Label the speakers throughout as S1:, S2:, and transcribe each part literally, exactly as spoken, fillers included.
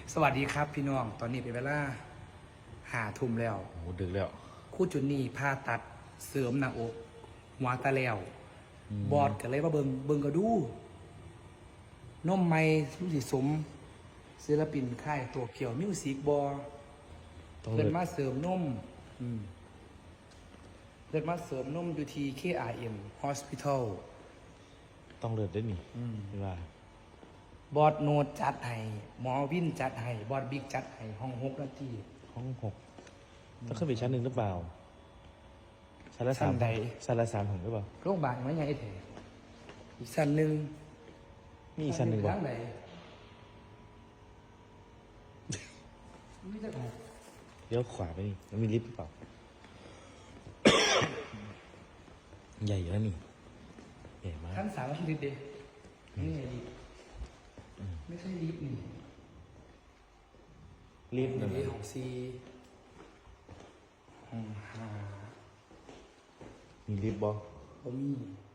S1: สวัสดีครับพี่น้องตอนนี้เป็นเวลาหาทุ่มแล้ว
S2: โอ้โหดึกแล้ว
S1: คู่จุนนี่ผ่าตัดเสริมหน้าอกหัวตาแล้ว
S2: อืม
S1: บอดกันเลยว่าเบิงเบิงก็ดูน้มไม่รู้สิสมศิลปินค่ายตัวเกี่ยวมิวสิกบอ
S2: ต้อง
S1: เพิ่
S2: เลิ
S1: น
S2: ก
S1: มาเสริมนมอืมเพิ่นมาเสริมนมอยู่ที่ เค อาร์ เอ็ม Hospital
S2: ต้องเลิกได้นี่
S1: อืม
S2: เวลา
S1: บอดโนดจัดให้หมอวินจัดให้บอดบิ๊กจัดให้ห้องหกนาที
S2: ห้องหกต้องขึ้นไปชั้นหนึ่งหรือเปล่าชั้นละ
S1: ชั้
S2: สาม
S1: นใด
S2: ชั้นละสามของหรือเปล่า
S1: โรงพยาบาลมันยังไงเถอะอีกชั้นหนึ่ง
S2: มีอีกชั้นหนึ่ง
S1: ทา
S2: ป่ะ
S1: งไหนไม่ได้ของ
S2: เลี้ยวขวาไปนี่มันมีลิฟต์หรือเปล่า ใหญ่อยู่แล้วนี่ใหญ่มาก
S1: ชั้นสามไม่ใช่ลิฟต์เดนี่ไงลิฟต์ไม่ใช่ลิฟต์นี่
S2: ลิฟต์หนึ่ง
S1: นี่ของซีห้องห้า
S2: มีลิฟต์บ่
S1: ผมมี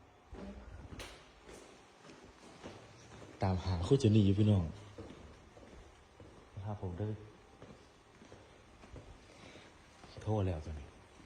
S2: ตามหาคู่เจนี่อยู่พี่น้องนะครับผมได้โทษแล้วตอนนี้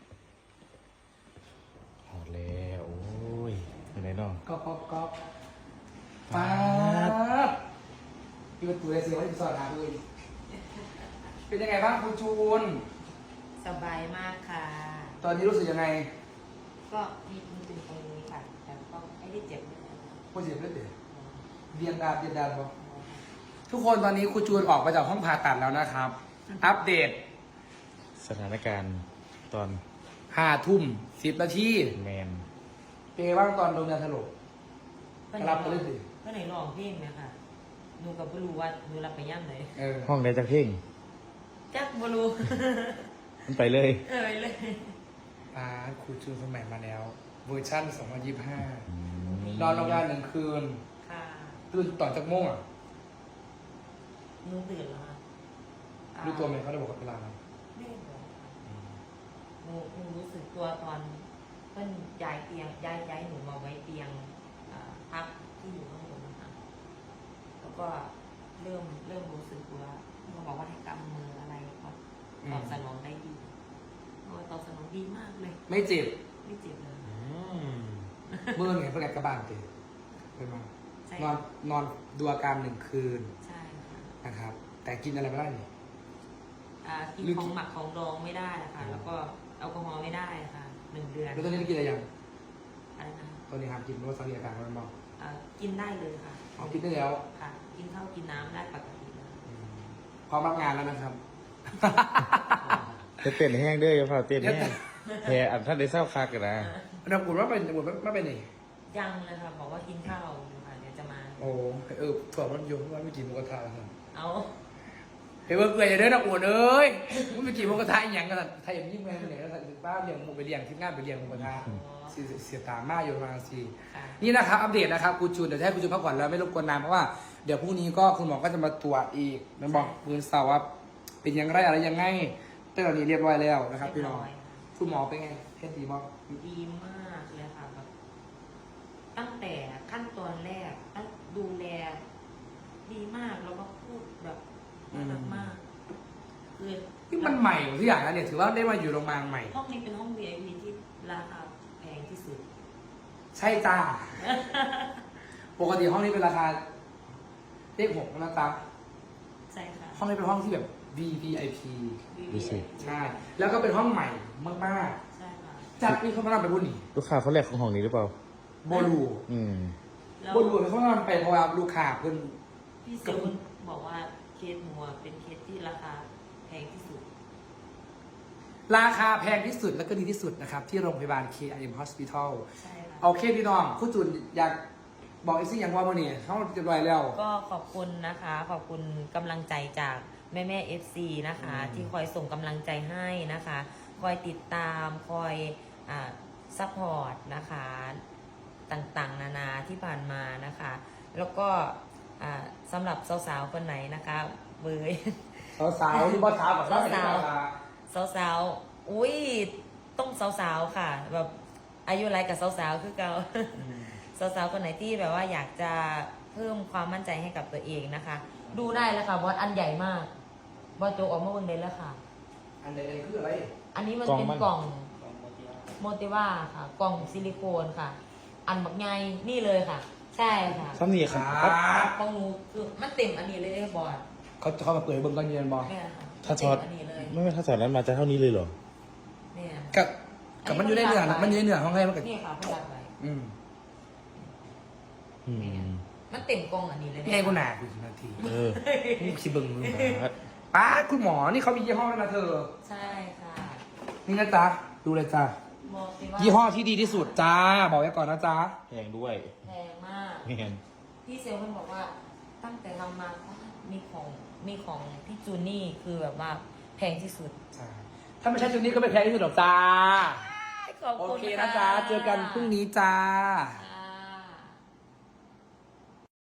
S2: หอดแล้วโอ้ยอยู่ไหนน้อง
S1: ก๊อกก๊อกก๊อกป๊าบพี่ประตูเลยสิว่าจะสอนหาเลยเป็นยังไงบ้างคุณจูน
S3: สบายมากค่ะ
S1: ตอนนี้รู้สึกยังไง
S3: ก็มีมีตึงตรงนี้ค่ะ แต่ก็ไม่ได้เจ็บเลย
S1: ผู้เสียเลือดเดือดเรียงดาบเรียงดาบบอกทุกคนตอนนี้ครูจูนออกมาจากห้องผ่าตัดแล้วนะครับ อัปเดต
S2: สถานการณ์ตอน
S1: ห้าทุ่มสิบนาที
S2: แมน
S1: เป็นไงบ้างตอนโดนยาสลบ
S3: เพื่อน
S1: รับไปเลยสิ
S3: เพื่อนไหนลองเพลงไหมค่ะหนูกับบ่รู้ว่าหนูรับไปย่ำไหน
S1: เออ
S2: ห้องใดจะเพ่ง
S3: จักบ่รู้
S2: มันไปเลย
S3: เอ่ยเลย
S1: อ่าครูจูนสมัยมาแล้ว เวอร์ชั่นสองพันยี่สิบห้า
S2: อืม
S1: นอนโรงพยาบาลหนึ่งคืน
S3: ค่ะ
S1: ตื่นตอนจากโมงอ่ะ
S3: หนูตื่นแล้วค่ะอ่า
S1: รู้ตัวไหมเขาได้บอกกับเวลาไหม
S3: ไม่ได้บอกค่ะหนูหนูรู้สึกตัวตอนเพื่อนย้ายเตียงย้ายย้ายหนูมาไว้เตียงอ่าพักที่อยู่ข้างบนนะคะแล้วก็เริ่มเริ่มรู้สึกตัวเขาบอกว่าให้กำมืออะไรก็ตอบสนองได้ดีโอ้ยตอบสนองดีมากเลย
S1: ไม่เจ็บ
S3: ไม่เจ็บเลย
S1: เมื่อไงเพื่อนกลับบ้านเตะไปมา
S3: ใช่
S1: นอนนอนดูอาการหนึ่งคืน
S3: ใช่ค่ะ
S1: นะครับ แต่กินอะไรไม่ได้นี่
S3: อ่ากิน
S1: หรือ
S3: ของหมักของดองไม่ได้นะคะแล้วก็แอลกอฮอล์ไม่ได้ค่ะหนึ่งเดือน
S1: แล้วตอนนี้กินอะไรยัง
S3: อะไรนะ
S1: ตอนนี้ห้ามกินเพราะว่าตอนนี้อาการมันเมา
S3: อ่ากินได้เลยค่ะ
S1: เอากินได้แล้ว
S3: ค่ะ กินข้าวกินน้ำได้ปกติเลย
S1: พร้อมรับงานแล้วนะครับ
S2: จะเต้นแห้งเด้ออย่าเผาเต้นแห้งแพ้อันท่านได้เศร้าคักกันนะ
S1: เราบุญว่าเป็นบุญว่าเป็นนี่
S3: ยังเลยค่ะบอกว่ากินข้าวอยู่ค่ะเดี๋ยวจะมา
S1: โอ้เออถั่วมันโยงว่าไม่กินหมูกระทะครับ
S3: เอา
S1: เฮ้ยเบิร์ดเลยอย่าเด้อนะอวดเอ้ยมึงไปกินหมูกระทะอีหยังกันไทยอย่างยิ่งแม่งเนี่ยแล้วป้าเลี้ยงหมูไปเลี้ยงที่งานไปเลี้ยงหมูกระทะเสียเสียตามากอยู่ประมาณสี่
S3: ค่ะ
S1: นี่นะครับอัปเดตนะครับคุณจูนเดี๋ยวจะให้คุณจูนพักผ่อนแล้วไม่รบกวนนานเพราะว่าเดี๋ยวพรุ่งนี้ก็คุณหมอก็จะมาตรวจอีกมันบอกปืนเสาร์ว่าเป็นยังไงอะไรยังไงเต้นเหล่านี้เรียบร้อยแล้วนะครับพี่น้อง
S3: เรียบร้อยค่ะ
S1: คุณหมอเป็นไงเทสดีบ้าง
S3: ดีมากเลยค่ะแบบตั้งแต่ขั้นตอนแรกตั้งดูแลดีมากแล้วก็พูดแบบน่ารักมากคือ
S1: นี่มันใหม่ทุกอย่างนะเนี่ยถือว่าได้มาอยู่โรงพยาบาลใหม่
S3: ห้องนี้เป็นห้อง วี ไอ พี ที่ราคาแพงที่สุด
S1: ใช่จ้า ปกติห้องนี้เป็นราคาเลขหกนะจ๊ะ
S3: ใช่ค่ะ
S1: ห้องนี้เป็นห้องที่แบบ วี วี ไอ พี
S2: ดูสิ
S1: ใช่ แล้วก็เป็นห้องใหม่มาก
S3: ใช่ค่ะ
S1: ๆจัดมีเขามานอนไปบุญนี่
S2: ลูกค้าเขาแรกของห้องนี้หรือเปล่า
S1: โบลู
S2: อืม
S3: แล้ว
S1: โบลูเขามานอนไปเพราะว่าลูกค้าเพิ่น
S3: พี่เซลล์บอกว่าเคสหมัวเป็นเคสที่ราคาแพงที่สุด
S1: ราคาแพงที่สุดและก็ดีที่สุดนะครับ ที่โรงพยาบาล เค อาร์ เอ็ม Hospital
S3: ใช่ค่ะ
S1: โอเคพี่น้องคุณจุนอยากบอกอีกสิ่งอย่างว่ามื่อนี้เขาจะรอยแล้ว
S3: ก็ขอบคุณนะคะ ขอบคุณกำลังใจจากแม่แม่เอฟซีนะคะ
S1: อืม
S3: ที่คอยส่งกำลังใจให้นะคะ คอยติดตามคอยอ่าซัพพอร์ตนะคะต่างๆ นานาที่ผ่านมานะคะ แล้วก็อ่าสำหรับสาวๆคนไหนนะคะเบย
S1: สาวๆที่บ้านสาวกับบ้านเป็น
S3: สาว
S1: สาว
S3: สาวๆอุ้ยต้องสาวๆค่ะ แบบอายุไรกับสาวๆคือเก่า สาวๆคนไหนที่แบบว่าอยากจะเพิ่มความมั่นใจให้กับตัวเองนะคะดูได้แล้วค่ะบอสอันใหญ่มากบอสโจออกมาเบิ่งได้แล้วค่ะ
S1: อันใดๆคืออะไร
S3: อันนี้มันเป็นกล่องโมติว่าค่ะ กล่องซิลิโคนค่ะ อันบักไงนี่เลยค่ะ ใช่ค่ะ
S2: ซ้ำนี่ครับครับ
S3: ของหนูคือมันเต็มอันนี้เลยได้บอส
S1: เขาเขามาเปิดเบิ้งตอนเย็นบอก
S3: เนี่ยค่ะ
S2: ถ้าช็อต
S3: เต็มอันนี้เลย
S2: ไม่ไม่ถ้าสอดนั้นมาจะเท่านี้เลยเหรอ
S3: เนี่ย
S1: กับกับมันอยู่ในเนื้อนะมันอยู่ในเนื้อของไงมันก็
S3: นี่ค่ะเพื่อนรักไว้
S1: อืม
S2: อืม
S3: มันเต็มกล่องอันนี้เลย
S1: นี่ไงกูหนาดูสินาที
S2: เออ
S1: นี่สิเบิ้งมึง
S2: ครับ
S1: ป้าคุณหมอนี่เขามียี่ห้อแล้วนะเธอ
S3: ใช่ค่ะ
S1: นี่นะจ๊ะดูเลยจ้า
S3: โมติว่า
S1: ยี่ห้อที่ดีที่สุดจ้าบอกไว้ก่อนนะจ๊ะ
S2: แพงด้วย
S3: แพงมาก
S2: แพง
S3: พี่เซลล์มันบอกว่าตั้งแต่ทำมามีของมีของพี่จูนี่คือแบบว่าแพงที่สุด
S1: ถ้าไม่ใช่ชุดนี้ก็ไม่แพ้ที่สุดหรอกจ้า
S3: ขอบ
S1: โอ
S3: คุณ
S1: เคนะจ๊ะ เจอกันพรุ่งนี้จ้า
S3: ค่ะ